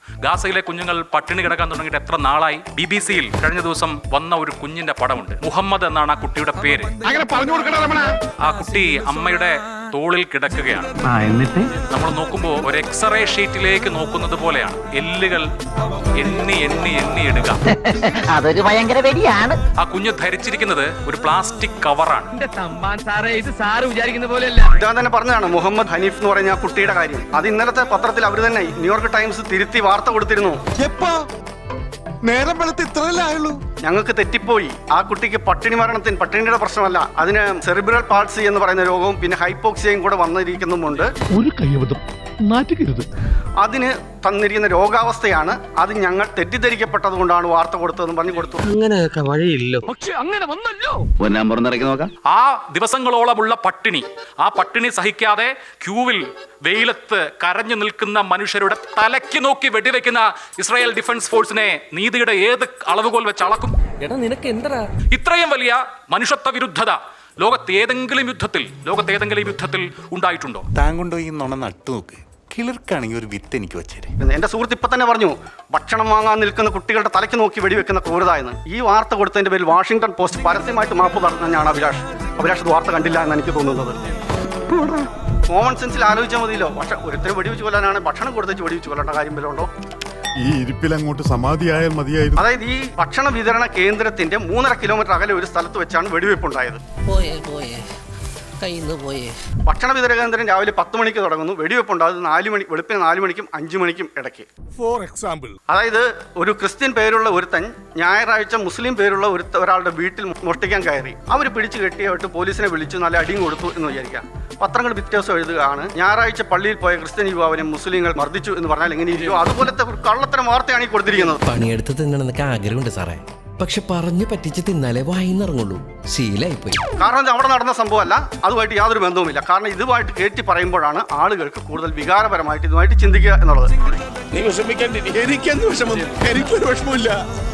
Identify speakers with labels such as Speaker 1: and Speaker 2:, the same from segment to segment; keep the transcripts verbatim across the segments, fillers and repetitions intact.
Speaker 1: ഗാസയിലെ കുഞ്ഞുങ്ങൾ പട്ടിണി കിടക്കാൻ തുടങ്ങിയിട്ട് എത്ര നാളായി? ബി ബി സിയിൽ കഴിഞ്ഞ ദിവസം വന്ന ഒരു കുഞ്ഞിന്റെ പടമുണ്ട്. മുഹമ്മദ് എന്നാണ് ആ കുട്ടിയുടെ പേര്. ആ കുട്ടി അമ്മയുടെ തോളിൽ കിടക്കുകയാണ്.
Speaker 2: എന്നിട്ട്
Speaker 1: നമ്മൾ നോക്കുമ്പോൾ ഒരു എക്സ്റേ ഷീറ്റിലേക്ക് നോക്കുന്നത് പോലെയാണ്. എല്ലുകൾ എണ്ണി എണ്ണി എണ്ണി ഇടുക.
Speaker 3: അതൊരു ഭയങ്കര വെടിയാണ്.
Speaker 1: ആ കുഞ്ഞ് ധരിച്ചിരിക്കുന്നത് ഒരു പ്ലാസ്റ്റിക് കവറാണ്.
Speaker 4: ഇതാ തന്നെ പറഞ്ഞതാണ് മുഹമ്മദ് ഹനീഫ് എന്ന് പറഞ്ഞ ആ കുട്ടിയുടെ കാര്യം. അത് ഇന്നലത്തെ പത്രത്തിൽ അവർ തന്നെ ന്യൂയോർക്ക് ടൈംസ് തിരുത്തി വാർത്ത കൊടുത്തിരുന്നു.
Speaker 5: നേരം വെളുത്ത് ഇത്രയല്ലേ ആയുള്ളൂ.
Speaker 4: ഞങ്ങൾക്ക് തെറ്റിപ്പോയി. ആ കുട്ടിക്ക് പട്ടിണി മരണത്തിന് പട്ടിണിയുടെ പ്രശ്നമല്ല, അതിന് സെറിബ്രൽ പാൾസി എന്ന് പറയുന്ന രോഗവും പിന്നെ ഹൈപ്പോക്സിയയും കൂടെ വന്നിരിക്കുന്നുമുണ്ട്.
Speaker 5: ഒരു കൈവതം നാറ്റുകരുത്.
Speaker 4: അതിന് തന്നിരിക്കുന്ന രോഗാവസ്ഥയാണ്. അത് ഞങ്ങൾ തെറ്റിദ്ധരിക്കപ്പെട്ടത് കൊണ്ടാണ് വാർത്ത കൊടുത്തതെന്ന് പറഞ്ഞു കൊടുത്തു.
Speaker 2: അങ്ങനെയൊക്കെ വഴിയില്ലോ.
Speaker 5: പക്ഷെ അങ്ങനെ വന്നല്ലോ.
Speaker 1: ആ ദിവസങ്ങളോളമുള്ള പട്ടിണി, ആ പട്ടിണി സഹിക്കാതെ ക്യൂവിൽ വെയിലത്ത് കരഞ്ഞു നിൽക്കുന്ന മനുഷ്യരുടെ തലയ്ക്ക് നോക്കി വെടിവെക്കുന്ന ഇസ്രായേൽ ഡിഫൻസ് ഫോഴ്സിനെ നീതിയുടെ ഏത് അളവുകോൽ വെച്ച് അളക്കും? ഇത്രയും വലിയ മനുഷ്യത്വ വിരുദ്ധത ലോകത്ത് ഏതെങ്കിലും യുദ്ധത്തിൽ ലോകത്ത് ഏതെങ്കിലും യുദ്ധത്തിൽ ഉണ്ടായിട്ടുണ്ടോ?
Speaker 6: താങ്കൊണ്ടോ ഈ നുണ നട്ടു നോക്ക്. കിളിർക്കാണെങ്കിൽ ഒരു വിത്ത് എനിക്ക് വെച്ചേരെ.
Speaker 4: എന്റെ സുഹൃത്ത് ഇപ്പൊ തന്നെ പറഞ്ഞു ഭക്ഷണം വാങ്ങാൻ നിൽക്കുന്ന കുട്ടികളുടെ തലയ്ക്ക് നോക്കി വെടിവെക്കുന്ന ക്രൂരത എന്ന്. ഈ വാർത്ത കൊടുത്തതിന്റെ പേരിൽ വാഷിംഗ്ടൺ പോസ്റ്റ് പരസ്യമായിട്ട് മാപ്പ് പറഞ്ഞാണ് അഭിലാഷ്. അഭിലാഷ് ഇത് വാർത്ത കണ്ടില്ല എന്ന് എനിക്ക് തോന്നുന്നത്. കോമൺ സെൻസിൽ ആലോചിച്ചാൽ മതിയല്ലോ. പക്ഷെ ഒരുത്തരം വെടിവെച്ച് കൊല്ലാനാണ് ഭക്ഷണം കൊടുത്തേച്ച് വെടിവെച്ച് കൊല്ലേണ്ട കാര്യം വല്ലതും ഉണ്ടോ?
Speaker 5: ഈ ഇരിപ്പിൽ അങ്ങോട്ട് സമാധിയായാൽ മതിയായിരുന്നു.
Speaker 4: അതായത് ഈ ഭക്ഷണ വിതരണ കേന്ദ്രത്തിന്റെ മൂന്നര കിലോമീറ്റർ അകലെ ഒരു സ്ഥലത്ത് വെച്ചാണ് വെടിവെപ്പ് ഉണ്ടായത്. ഭക്ഷണ വിതരണ കേന്ദ്രം രാവിലെ പത്ത് മണിക്ക് തുടങ്ങുന്നു. വെടിവെപ്പ് ഉണ്ടാകുന്നത് നാല് മണി വെളുപ്പിന് നാല് മണിക്കും അഞ്ചു മണിക്കും ഇടയ്ക്ക്.
Speaker 5: ഫോർ എക്സാമ്പിൾ,
Speaker 4: അതായത് ഒരു ക്രിസ്ത്യൻ പേരുള്ള ഒരുത്തൻ ഞായറാഴ്ച മുസ്ലിം പേരുള്ള ഒരു ഒരാളുടെ വീട്ടിൽ മോഷ്ടിക്കാൻ കയറി. അവർ പിടിച്ചു കെട്ടിയായിട്ട് പോലീസിനെ വിളിച്ചു നല്ല അടിയും കൊടുത്തു എന്ന് വിചാരിക്കാം. പത്രങ്ങൾ വ്യത്യാസം എഴുതുകയാണ് ഞായറാഴ്ച പള്ളിയിൽ പോയ ക്രിസ്ത്യൻ യുവാവിനെ മുസ്ലിങ്ങൾ മർദ്ദിച്ചു എന്ന് പറഞ്ഞാൽ എങ്ങനെയിരിക്കും? അതുപോലത്തെ ഒരു കള്ളത്തരം വാർത്തയാണ് ഈ കൊടുത്തിരിക്കുന്നത്.
Speaker 7: പണിയെടുത്ത് തിന്നണമെന്നൊക്കെ ആഗ്രഹമുണ്ട് സാറേ, പക്ഷെ പറഞ്ഞു പറ്റിച്ച് തിന്നാലേ വായിന്നിറങ്ങുള്ളൂ. ശീലായിപ്പോയി.
Speaker 4: കാരണം ഇത് അവിടെ നടന്ന സംഭവമല്ല, അതുമായിട്ട് യാതൊരു ബന്ധവുമില്ല. കാരണം ഇതുമായിട്ട് കയറ്റി പറയുമ്പോഴാണ് ആളുകൾക്ക് കൂടുതൽ വികാരപരമായിട്ട് ഇതുമായിട്ട് ചിന്തിക്കുക എന്നുള്ളത്.
Speaker 5: നീ വിഷമിക്കാണ്ടിരിക്കും. എനിക്കെന്ത് വിഷമം? എനിക്കൊരു വിഷമമില്ല.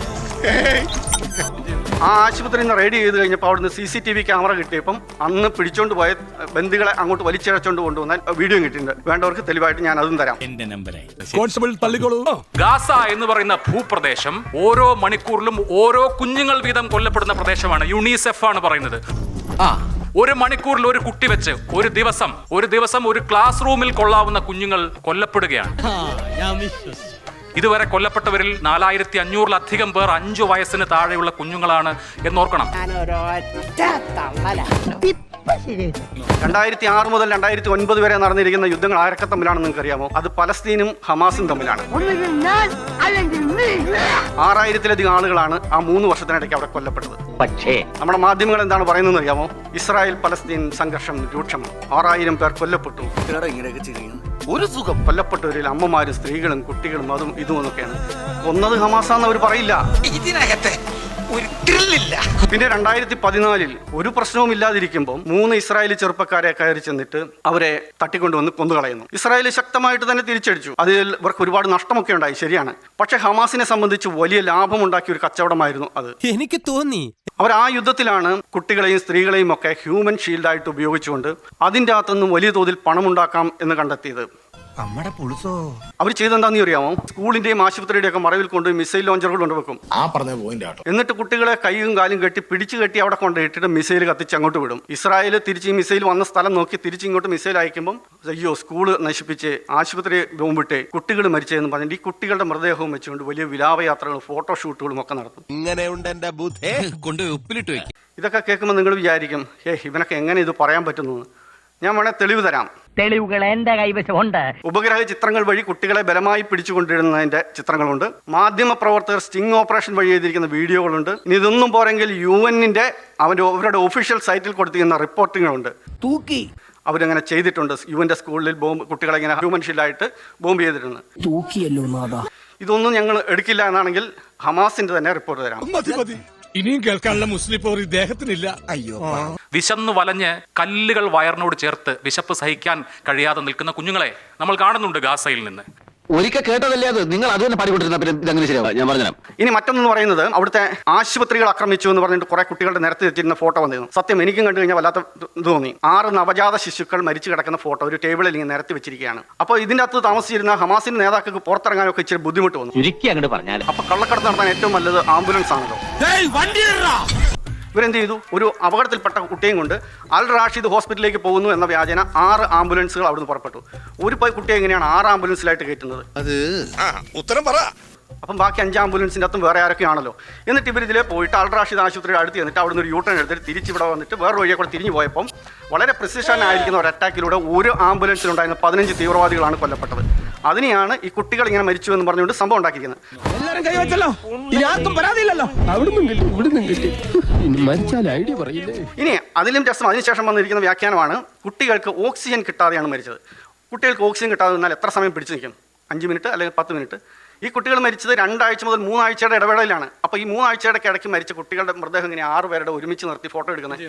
Speaker 4: ആ ആശുപത്രിയിൽ നിന്ന് റെഡി ചെയ്ത് കഴിഞ്ഞപ്പോൾ അവിടുന്ന് C C T V camera കിട്ടിയപ്പം അന്ന് പിടിച്ചോണ്ട് പോയ ബന്ധുക്കളെ അങ്ങോട്ട് വലിച്ചിഴച്ചോണ്ട് കൊണ്ടുവന്നാൽ വീഡിയോ കിട്ടിയിട്ടുണ്ട്. വേണ്ടവർക്ക് തെളിവായിട്ട് ഞാൻ അതും തരാം.
Speaker 5: കോൺസ്റ്റബിൾ തള്ളിക്കോളൂ.
Speaker 1: ഗാസ എന്ന് പറയുന്ന ഭൂപ്രദേശം ഓരോ മണിക്കൂറിലും ഓരോ കുഞ്ഞുങ്ങൾ വീതം കൊല്ലപ്പെടുന്ന പ്രദേശമാണ്. യുണിസെഫ് ആണ് പറയുന്നത്. ഒരു മണിക്കൂറിൽ ഒരു കുട്ടി വെച്ച് ഒരു ദിവസം ഒരു ദിവസം ഒരു ക്ലാസ് റൂമിൽ കൊള്ളാവുന്ന കുഞ്ഞുങ്ങൾ കൊല്ലപ്പെടുകയാണ്. ഇതുവരെ കൊല്ലപ്പെട്ടവരിൽ നാലായിരത്തി അഞ്ഞൂറിലധികം പേർ അഞ്ചു വയസ്സിന് താഴെയുള്ള കുഞ്ഞുങ്ങളാണ് എന്നോർക്കണം. രണ്ടായിരത്തി ആറ് മുതൽ രണ്ടായിരത്തി ഒൻപത് വരെ നടന്നിരിക്കുന്ന യുദ്ധങ്ങൾ ആരൊക്കെ തമ്മിലാണെന്ന് നിങ്ങൾക്ക് അറിയാമോ? അത് പലസ്തീനും ഹമാസും തമ്മിലാണ്. ആറായിരത്തിലധികം ആളുകളാണ് ആ മൂന്ന് വർഷത്തിനിടയ്ക്ക് അവിടെ കൊല്ലപ്പെട്ടത്.
Speaker 3: പക്ഷേ
Speaker 4: നമ്മുടെ മാധ്യമങ്ങൾ എന്താണ് പറയുന്നത് അറിയാമോ? ഇസ്രായേൽ പലസ്തീൻ സംഘർഷം രൂക്ഷം, ആറായിരം പേർ കൊല്ലപ്പെട്ടു. ഒരു സുഖം. കൊല്ലപ്പെട്ടവരിൽ അമ്മമാരും സ്ത്രീകളും കുട്ടികളും അതും ഇതും എന്നൊക്കെയാണ്. കൊന്നത് ഹമാസാന്ന് അവർ പറയില്ല. ഇതിനകത്തെ ഒരു ത്രില്ലില്ല. പിന്നെ രണ്ടായിരത്തി പതിനാലിൽ ഒരു പ്രശ്നവും ഇല്ലാതിരിക്കുമ്പോൾ മൂന്ന് ഇസ്രായേലി ചെറുപ്പക്കാരെ കയറി ചെന്നിട്ട് അവരെ തട്ടിക്കൊണ്ടുവന്ന് കൊന്നുകളയുന്നു. ഇസ്രായേൽ ശക്തമായിട്ട് തന്നെ തിരിച്ചടിച്ചു. അതിൽ ഇവർക്ക് ഒരുപാട് നഷ്ടമൊക്കെ ഉണ്ടായി, ശരിയാണ്. പക്ഷെ ഹമാസിനെ സംബന്ധിച്ച് വലിയ ലാഭമുണ്ടാക്കിയ ഒരു കച്ചവടമായിരുന്നു അത്.
Speaker 7: എനിക്ക് തോന്നി
Speaker 4: അവർ ആ യുദ്ധത്തിലാണ് കുട്ടികളെയും സ്ത്രീകളെയും ഒക്കെ ഹ്യൂമൻ ഷീൽഡായിട്ട് ഉപയോഗിച്ചുകൊണ്ട് അതിൻ്റെ അകത്തുനിന്നും വലിയ തോതിൽ പണമുണ്ടാക്കാം എന്ന് കണ്ടെത്തിയത്. അവർ ചെയ്തെന്താന്ന് അറിയാമോ? സ്കൂളിന്റെയും ആശുപത്രിയുടെയും ഒക്കെ മറവിൽ കൊണ്ട് മിസൈൽ ലോഞ്ചറുകൾ കൊണ്ടുവെക്കും. എന്നിട്ട് കുട്ടികളെ കൈയും കാലും കെട്ടി പിടിച്ചു കെട്ടി അവിടെ കൊണ്ടിട്ടിട്ട് മിസൈൽ കത്തിച്ച് അങ്ങോട്ട് വിടും. ഇസ്രായേൽ തിരിച്ച് ഈ മിസൈൽ വന്ന സ്ഥലം നോക്കി തിരിച്ച് ഇങ്ങോട്ട് മിസൈൽ അയക്കുമ്പോൾ അയ്യോ സ്കൂള് നശിപ്പിച്ച് ആശുപത്രി ബോംബിട്ട് കുട്ടികൾ മരിച്ചതെന്ന് പറഞ്ഞിട്ട് ഈ കുട്ടികളുടെ മൃതദേഹവും വെച്ചുകൊണ്ട് വലിയ വിലാപയാത്രകളും ഫോട്ടോഷൂട്ടുകളും ഒക്കെ നടത്തും. ഇതൊക്കെ കേൾക്കുമ്പോൾ നിങ്ങൾ വിചാരിക്കും, ഏ ഇവനൊക്കെ എങ്ങനെ ഇത് പറയാൻ പറ്റുന്നു? ഞാൻ വേണേൽ തെളിവ് തരാം.
Speaker 3: തെളിവുകൾ എന്റെ കൈവശമുണ്ട്.
Speaker 4: ഉപഗ്രഹ ചിത്രങ്ങൾ വഴി കുട്ടികളെ ബലമായി പിടിച്ചുകൊണ്ടിരുന്നതിന്റെ ചിത്രങ്ങളുണ്ട്. മാധ്യമ പ്രവർത്തകർ സ്റ്റിംഗ് ഓപ്പറേഷൻ വഴി ചെയ്തിരിക്കുന്ന വീഡിയോകളുണ്ട്. ഇനി ഇതൊന്നും പോരെങ്കിൽ യു എന്നിന്റെ അവന്റെ അവരുടെ ഒഫീഷ്യൽ സൈറ്റിൽ കൊടുത്തിരിക്കുന്ന റിപ്പോർട്ടുകളുണ്ട്. തൂക്കി അവരങ്ങനെ ചെയ്തിട്ടുണ്ട്. യു എന്റെ സ്കൂളിൽ ബോംബ് കുട്ടികളെ ഇങ്ങനെ ഹ്യൂമൻ ഷീൽഡായിട്ട് ബോംബ് ചെയ്തിട്ടുണ്ട്. ഇതൊന്നും ഞങ്ങൾ എടുക്കില്ല എന്നാണെങ്കിൽ ഹമാസിന്റെ തന്നെ റിപ്പോർട്ട് തരാം.
Speaker 5: ഇനിയും കേൾക്കാനുള്ള മുസ്ലിം പോർ ഇദ്ദേഹത്തിനില്ല. അയ്യോ,
Speaker 1: വിശന്നു വലഞ്ഞ് കല്ലുകൾ വയറിനോട് ചേർത്ത് വിശപ്പ് സഹിക്കാൻ കഴിയാതെ നിൽക്കുന്ന കുഞ്ഞുങ്ങളെ നമ്മൾ കാണുന്നുണ്ട് ഗാസയിൽ നിന്ന്.
Speaker 2: ഒരിക്കൽ കേട്ടതല്ലേ അത്. നിങ്ങൾ അത് തന്നെ പാടിക്കൊണ്ടിരുന്ന പിന്നെ ഇതങ്ങനെ ശരിയാവും. ഞാൻ പറഞ്ഞുതരാം.
Speaker 4: ഇനി മറ്റൊന്ന് പറയുന്നത് അവിടുത്തെ ആശുപത്രികൾ ആക്രമിച്ചു എന്ന് പറഞ്ഞിട്ട് കുറെ കുട്ടികളുടെ നിരത്തി വെച്ചിരുന്ന ഫോട്ടോ വന്നിരുന്നു. സത്യം എനിക്കും കണ്ടു കഴിഞ്ഞാൽ വല്ലാത്ത ഇത് തോന്നി. ആറ് നവജാത ശിശുക്കൾ മരിച്ചു കിടക്കുന്ന ഫോട്ടോ ഒരു ടേബിളിൽ ഇങ്ങനെ നിരത്തി വെച്ചിരിക്കുകയാണ്. അപ്പോൾ ഇതിന്റെ അകത്ത് താമസിച്ചിരുന്ന ഹമാസിന്റെ നേതാക്കൾക്ക് പുറത്തിറങ്ങാനൊക്കെ ഇച്ചിരി ബുദ്ധിമുട്ട് വന്നു.
Speaker 3: ചുരുക്കി അങ്ങോട്ട് പറഞ്ഞാൽ
Speaker 4: അപ്പൊ കള്ളക്കടത്ത് നടത്താൻ ഏറ്റവും നല്ലത് ആംബുലൻസ് ആണല്ലോ. ഇവരെന്ത് ചെയ്തു? ഒരു അപകടത്തിൽപ്പെട്ട കുട്ടിയും കൊണ്ട് അൽ റാഷിദ് ഹോസ്പിറ്റലിലേക്ക് പോകുന്നു എന്ന വ്യാജന ആറ് ആംബുലൻസുകൾ അവിടുന്ന് പുറപ്പെട്ടു. ഒരു കുട്ടിയെ എങ്ങനെയാണ് ആറ് ആംബുലൻസിലായിട്ട് കയറ്റുന്നത്?
Speaker 5: അത് ഉത്തരം പറ.
Speaker 4: അപ്പം ബാക്കി അഞ്ച് ആംബുലൻസിൻ്റെ അകത്തും വേറെ ആരൊക്കെയാണല്ലോ. എന്നിട്ട് ഇവർ ഇതിലെ പോയിട്ട് അൽ റാഷിദ് ആശുപത്രിയുടെ അടുത്ത് ചെന്നിട്ട് അവിടുന്ന് ഒരു യൂട്ടേൺ എടുത്തിട്ട് തിരിച്ചിവിടെ വന്നിട്ട് വേറെ വഴിയെ കൂടെ തിരിഞ്ഞു പോയപ്പം വളരെ പ്രിസിഷൻ ആയിരിക്കുന്ന ഒരു അറ്റാക്കിലൂടെ ഒരു ആംബുലൻസിലുണ്ടായിരുന്ന പതിനഞ്ച് തീവ്രവാദികളാണ് കൊല്ലപ്പെട്ടത്. അതിനെയാണ് ഈ കുട്ടികൾ ഇങ്ങനെ മരിച്ചു എന്ന് പറഞ്ഞുകൊണ്ട് സംഭവം ഉണ്ടാക്കിയിരിക്കുന്നത്.
Speaker 8: എല്ലാരും കൈവച്ചല്ലോ, ഇനി ആർക്കും പരാതിയില്ലല്ലോ. അവിടുന്ന് കിട്ടി ഇവിടുന്ന് കിട്ടി, മരിച്ചാൽ ഐഡിയ പറയില്ലേ.
Speaker 4: ഇനി അതിലും രസം അതിനുശേഷം വന്നിരിക്കുന്ന വ്യാഖ്യാനമാണ് കുട്ടികൾക്ക് ഓക്സിജൻ കിട്ടാതെയാണ് മരിച്ചത്. കുട്ടികൾക്ക് ഓക്സിജൻ കിട്ടാതെ നിന്നാൽ എത്ര സമയം പിടിച്ചു നിൽക്കും? അഞ്ച് മിനിറ്റ് അല്ലെങ്കിൽ പത്ത് മിനിറ്റ്. ഈ കുട്ടികൾ മരിച്ചത് രണ്ടാഴ്ച മുതൽ മൂന്നാഴ്ചയുടെ ഇടവേളയിലാണ്. അപ്പോൾ ഈ മൂന്നാഴ്ചയുടെ ഇടയ്ക്ക് മരിച്ച കുട്ടികളുടെ മൃതദേഹം ഇങ്ങനെ ആറ് പേരുടെ ഒരുമിച്ച് നിർത്തി ഫോട്ടോ എടുക്കുന്നത്.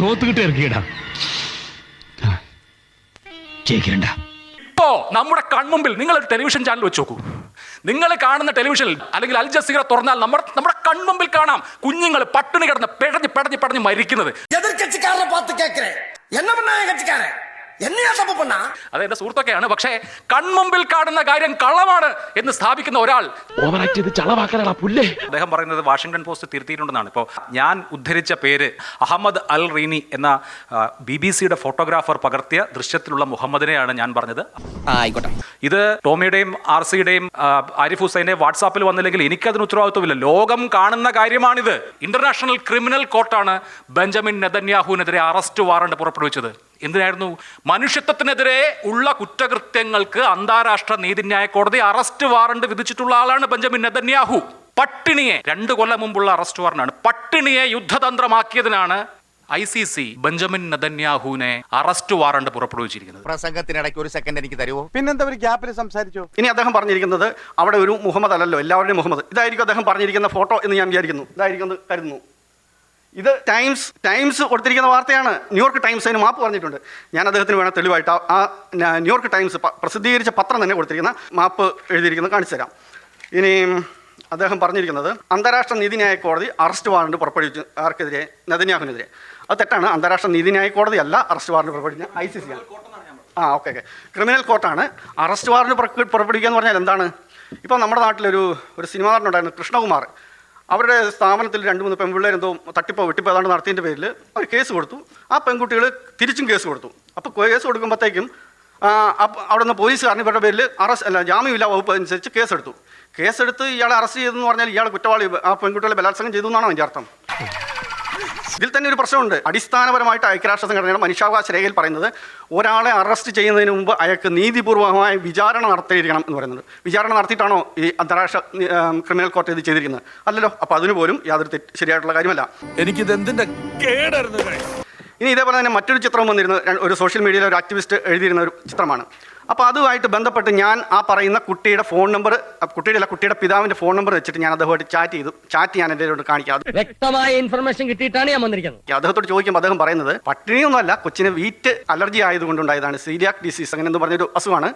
Speaker 1: ഇപ്പോ നമ്മുടെ കൺമുമ്പിൽ നിങ്ങൾ ഒരു ടെലിവിഷൻ ചാനൽ വെച്ച് നോക്കൂ. നിങ്ങൾ കാണുന്ന ടെലിവിഷനിൽ അല്ലെങ്കിൽ അൽ ജസീറ തുറന്നാൽ നമ്മുടെ നമ്മുടെ കൺമുമ്പിൽ കാണാം കുഞ്ഞുങ്ങൾ പട്ടിണി കിടന്ന് പിടഞ്ഞ് പിടഞ്ഞ് പിടഞ്ഞ് മരിക്കുന്നത്. അത് എന്റെ സുഹൃത്തൊക്കെയാണ്. പക്ഷേ കൺമുമ്പിൽ കാണുന്ന കാര്യം കള്ളമാണ് എന്ന് സ്ഥാപിക്കുന്ന ഒരാൾ അദ്ദേഹം പറയുന്നത് വാഷിംഗ്ടൺ പോസ്റ്റ് തിരുത്തിയിട്ടുണ്ടെന്നാണ്. ഇപ്പോൾ ഞാൻ ഉദ്ധരിച്ച പേര് അഹമ്മദ് അൽ റീനി എന്ന ബി ബി സിയുടെ ഫോട്ടോഗ്രാഫർ പകർത്തിയ ദൃശ്യത്തിലുള്ള മുഹമ്മദിനെയാണ് ഞാൻ പറഞ്ഞത്.
Speaker 7: ആയിക്കോട്ടെ.
Speaker 1: ഇത് ടോമിയുടെയും ആർ സിയുടെയും ആരിഫ് ഹുസൈൻ്റെയും വാട്സാപ്പിൽ വന്നില്ലെങ്കിൽ എനിക്കതിന് ഉത്തരവാദിത്വമില്ല. ലോകം കാണുന്ന കാര്യമാണിത്. ഇന്റർനാഷണൽ ക്രിമിനൽ കോർട്ടാണ് ബെഞ്ചമിൻ നെതന്യാഹുവിനെതിരെ അറസ്റ്റ് വാറണ്ട് പുറപ്പെടുവിച്ചത്. എന്തിനായിരുന്നു? മനുഷ്യത്വത്തിനെതിരെ ഉള്ള കുറ്റകൃത്യങ്ങൾക്ക് അന്താരാഷ്ട്ര നീതിന്യായ കോടതി അറസ്റ്റ് വാറണ്ട് വിധിച്ചിട്ടുള്ള ആളാണ് ബെഞ്ചമിൻ നെതന്യാഹു. പട്ടിണിയെ രണ്ട് കൊല്ലം മുമ്പുള്ള അറസ്റ്റ് വാറണ്ടാണ്. പട്ടിണിയെ യുദ്ധതന്ത്രമാക്കിയതിനാണ് ഐ സി സി ബെഞ്ചമിൻ നെതന്യാഹുവിനെ അറസ്റ്റ് വാറണ്ട് പുറപ്പെടുവിച്ചിരിക്കുന്നത്.
Speaker 2: പ്രസംഗത്തിനിടയ്ക്ക് ഒരു സെക്കൻഡ് എനിക്ക് തരുമോ?
Speaker 8: പിന്നെന്താ ഒരു ഗ്യാപ്പിൽ സംസാരിച്ചോ?
Speaker 4: ഇനി അദ്ദേഹം പറഞ്ഞിരിക്കുന്നത് അവിടെ ഒരു മുഹമ്മദ് അല്ലല്ലോ, എല്ലാവരുടെയും മുഹമ്മദ്. ഇതായിരിക്കും അദ്ദേഹം പറഞ്ഞിരിക്കുന്ന ഫോട്ടോ എന്ന് ഞാൻ വിചാരിക്കുന്നു. ഇതായിരിക്കും കരുതുന്നു. ഇത് ടൈംസ് ടൈംസ് കൊടുത്തിരിക്കുന്ന വാർത്തയാണ്. ന്യൂയോർക്ക് ടൈംസ് അതിന് മാപ്പ് പറഞ്ഞിട്ടുണ്ട്. ഞാൻ അദ്ദേഹത്തിന് വേണം തെളിവായിട്ട് ആ ന്യൂയോർക്ക് ടൈംസ് പ്രസിദ്ധീകരിച്ച പത്രം തന്നെ കൊടുത്തിരിക്കുന്ന മാപ്പ് എഴുതിയിരിക്കുന്നത് കാണിച്ചു തരാം. ഇനി അദ്ദേഹം പറഞ്ഞിരിക്കുന്നത് അന്താരാഷ്ട്ര നീതിന്യായ കോടതി അറസ്റ്റ് വാറണ്ട് പുറപ്പെടുവിച്ചു ആർക്കെതിരെ? നെതന്യാഹുവിനെതിരെ. അത് തെറ്റാണ്. അന്താരാഷ്ട്ര നീതിന്യായ കോടതി അല്ല അറസ്റ്റ് വാറണ്ട് പുറപ്പെടുവിച്ച ഐ സി സി ആണ്. ആ ഓക്കെ ഓക്കെ ക്രിമിനൽ കോർട്ടാണ്. അറസ്റ്റ് വാറണ്ട് പുറപ്പെടുവിക്കുക എന്ന് പറഞ്ഞാൽ എന്താണ്? ഇപ്പോൾ നമ്മുടെ നാട്ടിലൊരു ഒരു സിനിമാ നടനുണ്ടായിരുന്നു കൃഷ്ണകുമാർ. അവരുടെ സ്ഥാപനത്തിൽ രണ്ട് മൂന്ന് പെൺപിള്ളേർ എന്തോ തട്ടിപ്പോ വെട്ടിപ്പോ ഏതാണ്ട് നടത്തിയതിൻ്റെ പേരിൽ അവർ കേസ് കൊടുത്തു. ആ പെൺകുട്ടികൾ തിരിച്ചും കേസ് കൊടുത്തു. അപ്പോൾ കേസ് കൊടുക്കുമ്പോഴത്തേക്കും അവിടെ നിന്ന് പോലീസുകാരൻ ഇവരുടെ പേരിൽ അറസ്റ്റ് അല്ല ജാമ്യമില്ല വകുപ്പ് അനുസരിച്ച് കേസെടുത്തു. കേസെടുത്ത് ഇയാളെ അറസ്റ്റ് ചെയ്തെന്ന് പറഞ്ഞാൽ ഇയാൾ കുറ്റവാളി ആ പെൺകുട്ടികളെ ബലാത്സംഗം ചെയ്തു എന്നാണോ അതിൻ്റെ അർത്ഥം? ഇതിൽ തന്നെ ഒരു പ്രശ്നമുണ്ട്. അടിസ്ഥാനപരമായിട്ട് ഐക്യരാഷ്ട്ര സംഘടനയുടെ മനുഷ്യാവകാശ രേഖയിൽ പറയുന്നത് ഒരാളെ അറസ്റ്റ് ചെയ്യുന്നതിന് മുമ്പ് അയാൾക്ക് നീതിപൂർവമായ വിചാരണ നടത്തിയിരിക്കണം എന്ന് പറയുന്നത്. വിചാരണ നടത്തിയിട്ടാണോ ഈ അന്താരാഷ്ട്ര ക്രിമിനൽ കോർട്ട് ഇത് ചെയ്തിരിക്കുന്നത്? അല്ലല്ലോ. അപ്പോൾ അതിന് പോലും യാതൊരു തെറ്റ് ശരിയായിട്ടുള്ള കാര്യമല്ല.
Speaker 5: എനിക്കിത് എന്തിന്റെ കേടായിരുന്നു.
Speaker 4: ഇനി ഇതേപോലെ തന്നെ മറ്റൊരു ചിത്രം വന്നിരുന്നു. ഒരു സോഷ്യൽ മീഡിയയിലെ ഒരു ആക്ടിവിസ്റ്റ് എഴുതിയിരുന്ന ഒരു ചിത്രമാണ്. അപ്പോൾ അതുമായിട്ട് ബന്ധപ്പെട്ട് ഞാൻ ആ പറയുന്ന കുട്ടിയുടെ ഫോൺ നമ്പർ, കുട്ടിയുടെ അല്ല കുട്ടിയുടെ പിതാവിൻ്റെ ഫോൺ നമ്പർ വെച്ചിട്ട് ഞാൻ അദ്ദേഹമായിട്ട് ചാറ്റ് ചെയ്തു. ചാറ്റ് ഞാൻ എൻ്റെ കാണിക്കാം.
Speaker 3: വ്യക്തമായ ഇൻഫർമേഷൻ കിട്ടിയിട്ടാണ് ഞാൻ വന്നിരിക്കുന്നത്.
Speaker 4: അദ്ദേഹത്തോട് ചോദിക്കുമ്പോൾ അദ്ദേഹം പറയുന്നത് പട്ടിണിയൊന്നുമല്ല, കൊച്ചിന് വീറ്റ് അലർജി ആയതുകൊണ്ടുണ്ടായതാണ്. സീരിയാക് ഡിസീസ് അങ്ങനെ എന്ന് പറഞ്ഞൊരു അസുഖമാണ്.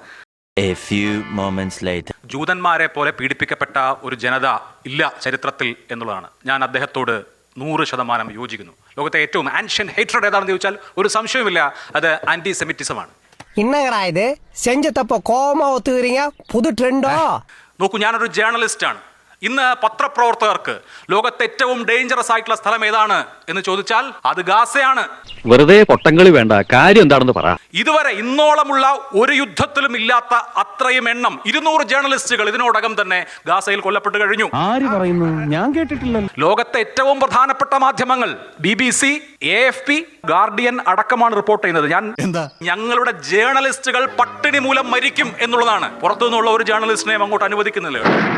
Speaker 1: ജൂതന്മാരെ പോലെ പീഡിപ്പിക്കപ്പെട്ട ഒരു ജനത ഇല്ല ചരിത്രത്തിൽ എന്നുള്ളതാണ്. ഞാൻ അദ്ദേഹത്തോട് നൂറ് ശതമാനം യോജിക്കുന്നു. ലോകത്തെ ഏറ്റവും ആൻഷ്യൻ ഹേറ്റ്രഡ് ഏതാണെന്ന് ചോദിച്ചാൽ ഒരു സംശയവുമില്ല, അത് ആന്റി സെമിറ്റിസമാണ്.
Speaker 8: என்னங்கடா இது செஞ்சதப்போ கோமா ஒத்துக்கிறீங்க? புது ட்ரெண்டோ?
Speaker 1: നോക്കൂ, ഞാനൊരു ജേർണലിസ്റ്റ് ആണ്. ഇന്ന് പത്രപ്രവർത്തകർക്ക് ലോകത്തെ ഏറ്റവും ഡേഞ്ചറസ് ആയിട്ടുള്ള സ്ഥലം ഏതാണ് എന്ന് ചോദിച്ചാൽ അത് ഗാസയാണ്.
Speaker 9: വെറുതെ പൊട്ടങ്കളി വേണ്ട, കാര്യം എന്താണെന്ന് പറ.
Speaker 1: ഇതുവരെ ഇന്നോളമുള്ള ഒരു യുദ്ധത്തിലും ഇല്ലാത്ത അത്രയും എണ്ണം ഇരുന്നൂറ് ജേർണലിസ്റ്റുകൾ ഇതിനോടകം തന്നെ ഗാസയിൽ കൊല്ലപ്പെട്ട് കഴിഞ്ഞു.
Speaker 8: ആര് പറയുന്നു? ഞാൻ കേട്ടിട്ടില്ലല്ലോ.
Speaker 1: ലോകത്തെ ഏറ്റവും പ്രധാനപ്പെട്ട മാധ്യമങ്ങൾ B B C, A F P, Guardian അടക്കമാണ് റിപ്പോർട്ട് ചെയ്യുന്നത്. ഞാൻ ഞങ്ങളുടെ ജേർണലിസ്റ്റുകൾ പട്ടിണി മൂലം മരിക്കും എന്നുള്ളതാണ്. പുറത്തുനിന്നുള്ള ഒരു ജേർണലിസ്റ്റിനെയും അങ്ങോട്ട് അനുവദിക്കുന്നില്ല.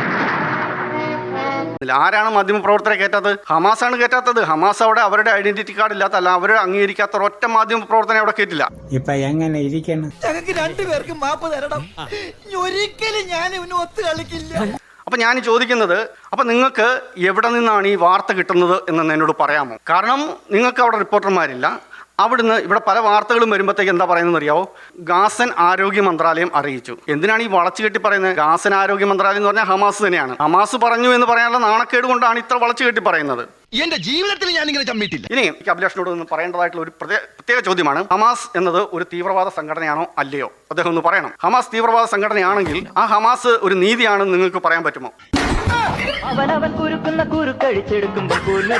Speaker 4: ആരാണ് മാധ്യമപ്രവർത്തകരെ കയറ്റാത്തത്? ഹമാസാണ് കയറ്റാത്തത്. ഹമാസ് അവിടെ അവരുടെ ഐഡന്റിറ്റി കാർഡ് ഇല്ലാത്ത അല്ല അവരെ അംഗീകരിക്കാത്ത ഒറ്റ മാധ്യമ പ്രവർത്തനം അവിടെ കയറ്റില്ല.
Speaker 8: ഇപ്പൊ എങ്ങനെ ഇരിക്കണം?
Speaker 10: ഞങ്ങൾക്ക് രണ്ടുപേർക്കും മാപ്പ് തരണം. ഒരിക്കലും ഞാൻ ഇവന് ഒത്തു കളിക്കില്ല.
Speaker 4: അപ്പം ഞാൻ ചോദിക്കുന്നത്, അപ്പം നിങ്ങൾക്ക് എവിടെ നിന്നാണ് ഈ വാർത്ത കിട്ടുന്നത് എന്ന് എന്നോട് പറയാമോ? കാരണം നിങ്ങൾക്ക് അവിടെ റിപ്പോർട്ടർമാരില്ല, അവിടുന്ന് ഇവിടെ പല വാർത്തകളും വരുമ്പോഴത്തേക്ക് എന്താ പറയുന്നത് അറിയാവോ? ഗാസൻ ആരോഗ്യ മന്ത്രാലയം അറിയിച്ചു. എന്തിനാണ് ഈ വളച്ചു കെട്ടി പറയുന്നത്? ഗാസൻ ആരോഗ്യ മന്ത്രാലയം എന്ന് പറഞ്ഞാൽ ഹമാസ് തന്നെയാണ്. ഹമാസ് പറഞ്ഞു എന്ന് പറയാനുള്ള നാണക്കേട് കൊണ്ടാണ് ഇത്ര വളച്ചു കെട്ടി പറയുന്നത്.
Speaker 10: എന്റെ ജീവിതത്തിൽ ഞാൻ ഇങ്ങനെ ചമ്മിട്ടില്ല.
Speaker 4: ഇനി എനിക്ക് അഭിലാഷിനോട് ഒന്ന് പറയേണ്ടതായിട്ടുള്ള ഒരു പ്രത്യേക ചോദ്യമാണ്, ഹമാസ് എന്നത് ഒരു തീവ്രവാദ സംഘടനയാണോ അല്ലയോ? അദ്ദേഹം ഒന്ന് പറയണം. ഹമാസ് തീവ്രവാദ സംഘടനയാണെങ്കിൽ ആ ഹമാസ് ഒരു നീതിയാണെന്ന് നിങ്ങൾക്ക് പറയാൻ പറ്റുമോ?
Speaker 3: അവനവൻ കുരുക്കുന്ന കുരുക്കഴിച്ചെടുക്കുമ്പോ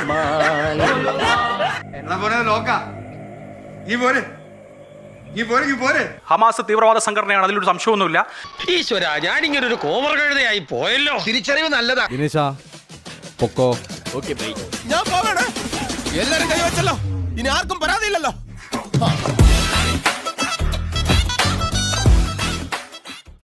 Speaker 1: ഹമാസ് തീവ്രവാദ സംഘടനയാണ്, അതിലൊരു സംശയമൊന്നുമില്ല.
Speaker 8: ഈശ്വര, ഞാനിങ്ങനെ ഒരു കോമർ കഴുതയായി പോയല്ലോ.
Speaker 10: തിരിച്ചറിവ് നല്ലതാ.
Speaker 7: പൊക്കോ.
Speaker 5: ഞാൻ പോകണേ. എല്ലാരും കൈവച്ചല്ലോ, ഇനി ആർക്കും പരാതിയില്ലല്ലോ.